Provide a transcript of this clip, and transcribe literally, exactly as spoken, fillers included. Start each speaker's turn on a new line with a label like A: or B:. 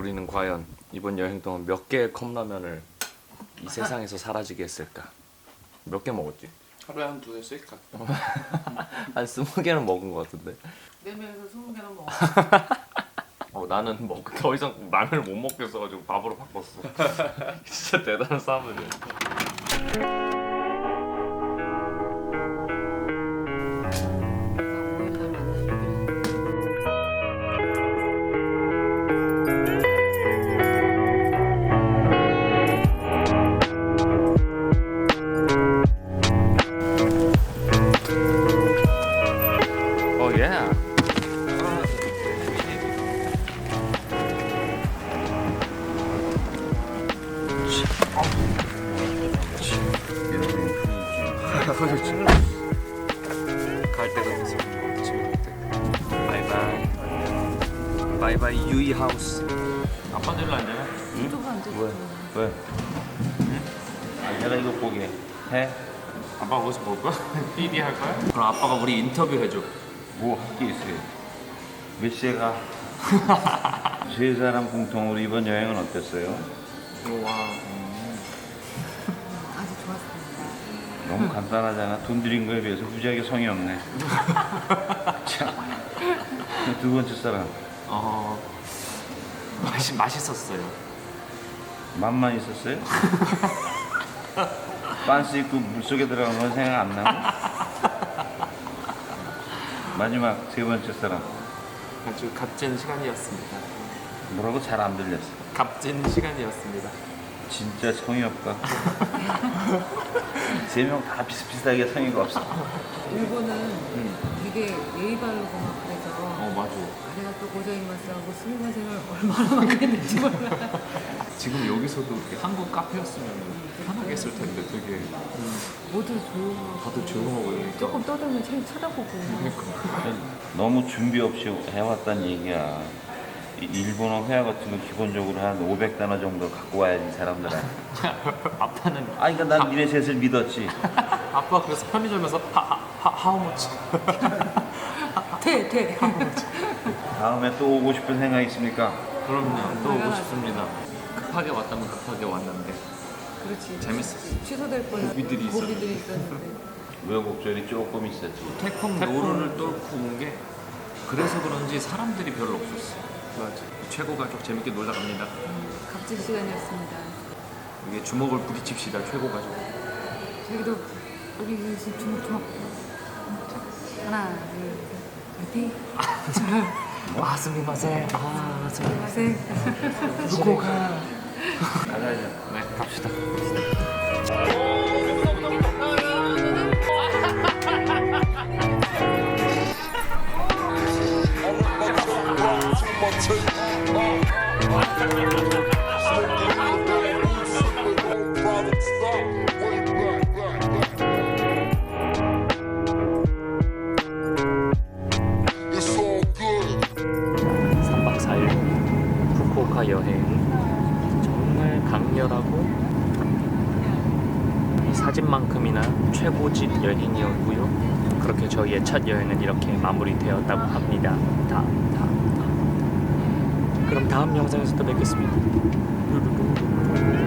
A: 우리는 과연 이번 여행 동안 몇 개의 컵라면을 이 세상에서 사라지게 했을까? 몇 개 먹었지?
B: 하루에 한 두 개씩 각.
A: 한 스무 개는 먹은 것 같은데.
C: 네 명에서 스무 개는 먹어.
A: 어, 나는 뭐 더 이상 라면을 못 먹겠어가지고 밥으로 바꿨어. 진짜 대단한 싸움이네. 어 예. 갈 때가 됐어. 집에 갈 때. 바이바이. 바이바이 유이 하우스. 아빠 들로 앉아요?
C: 유튜브 안 되지.
A: 왜? 응? 아, 내가 이거 보게 해?
B: 아빠 거기서 볼 거야? 피디 할 거야?
A: 그럼 아빠가 우리 인터뷰 해줘.
D: 뭐 할 게 있어요? 몇 시에 가? 세 사람 공통으로 이번 여행은 어땠어요?
B: 와.
C: 아주 좋았습니다.
D: 너무 간단하잖아. 돈 들인 거에 비해서 무지하게 성의 없네. 참. 두 번째 사람
B: 어. 맛이 맛있었어요.
D: 맛만 있었어요? 빤스 입고 물속에 들어간 건 생각 안 나고? 마지막 세 번째 사람
B: 아주 값진 시간이었습니다.
D: 뭐라고 잘 안 들렸어.
B: 값진 시간이었습니다.
D: 진짜 성의 없다. 세 명 다 비슷비슷하게 성의가 없어.
C: 일본은 되게 예의 바르고 막 그래서
B: 어 맞아.
C: 아내가 또 고자이마스하고 스미마셍을 얼마나 많이 했는지 몰라.
B: 지금 여기서도 이렇게 한국 카페였으면 편하게 했을 텐데 되게
C: 모두 조용하고
B: 다들 조용하고 이러니까.
C: 조금 떠들면 책 쳐다보고
B: 그러니까.
D: 너무 준비 없이 해왔단 얘기야. 이 일본어 회화 같은 거 기본적으로 한 오백 단어 정도 갖고 와야지 사람들은.
B: 아빠는
D: 아, 그러니까 난 니네 셋을 믿었지.
B: 아빠 그래서 편의점에서 하하 하우머치
C: 돼! 돼!
D: 다음에 또 오고 싶은 생각 있습니까?
B: 그럼요. 또 오고 싶습니다. 급하게 왔다면 급하게 왔는데
C: 그렇지.
B: 재밌었어.
C: 취소될 뻔
B: 고기들이 있었는데.
C: 고기들이 있었는데
D: 우여곡절이 조금 있었지.
A: 태풍 노루를 뚫고 온 게 그래서 그런지 사람들이 별로 없었어.
B: 맞아.
A: 최고 가족 재밌게 놀다 갑니다.
C: 값진 시간이었습니다.
A: 이게 주먹을 부딪힙시다. 최고 가족.
C: 저기도 여기 지금 주먹주먹 자, 하나 둘셋 화이팅!
B: 아 스미마셍. 아
C: 스미마셍.
B: 누구가?
D: 가자자.
A: 네, 갑시다. 삼 박 사 일 후쿠오카 여행 정말 강렬하고 이 사진만큼이나 최고집 여행이었고요. 그렇게 저희의 첫 여행은 이렇게 마무리되었다고 합니다. 다, 다, 다. 그럼 다음 영상에서 또 뵙겠습니다. 루루루.